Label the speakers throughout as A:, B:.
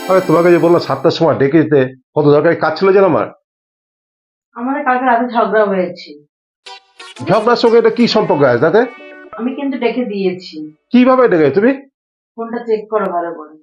A: আরে তোমাকে যে বললাম 7টার সময় ডেকে দিতে, কত দরকারি কাজ ছিল যেন আমার।
B: আমাদের কালকে রাতে ঝগড়া হয়েছে।
A: ঝগড়ার সঙ্গে এটা কি সম্পর্ক আছে তাতে?
B: আমি কিন্তু ডেকে দিয়েছি।
A: কিভাবে ডেকে তুমি?
B: ফোনটা চেক করো ভালো করে।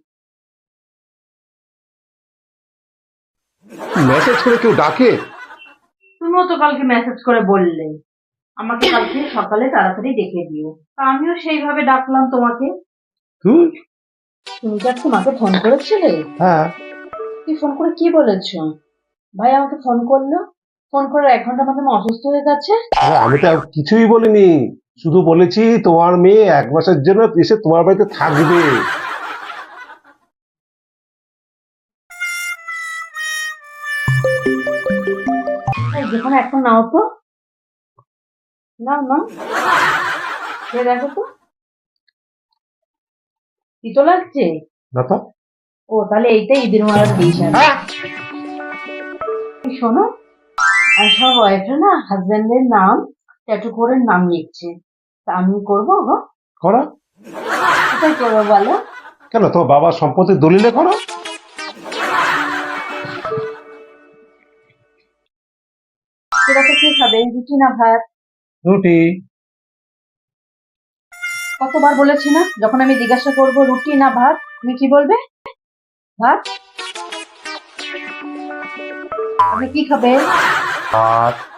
A: মেসেজ করে কেউ ডাকে?
B: তুমিও তো কালকে মেসেজ করে বললে আমাকে কালকে সকালে তাড়াতাড়ি ডেকে দিও, তা আমিও সেইভাবে ডাকলাম তোমাকে।
A: তুই?
B: তুমি কি আজকে মাকে ফোন করেছিলে?
A: হ্যাঁ।
B: তুই ফোন করে কি বলেছো? ভাই আমাকে ফোন করলো, ফোন করার 1 ঘন্টা মধ্যে আমি অসুস্থ হয়ে যাচ্ছে।
A: আরে আমি তো আর কিছুই বলিনি, শুধু বলেছি তোমার মেয়ে 1 মাসের জন্য এসে তোমার বাড়িতে থাকবে।
B: এই যেখানে এখন নাও তো, নাও নাও, খেয়ে দেখো তো, তিতো লাগছে?
A: না তো।
B: ও তাহলে এইটাই ঈদের মারার ডিশ আছে।
A: হ্যাঁ।
B: শোনো, আর সব ওয়াইফরা না হাজবেন্ডের নাম ট্যাটু করে নাম লিখছে, তা আমি করবো গো?
A: করো।
B: কোথায় করবো বলো?
A: কেন, তোমার বাবার সম্পত্তির দলিলে করো।
B: সেটাতে কি খাবে, রুটি না ভাত?
A: রুটি।
B: কতবার বলেছি না, যখন আমি জিজ্ঞাসা করবো রুটি না ভাত, তুমি কি বলবে? ভাত। আপনি কি খাবে?
A: আর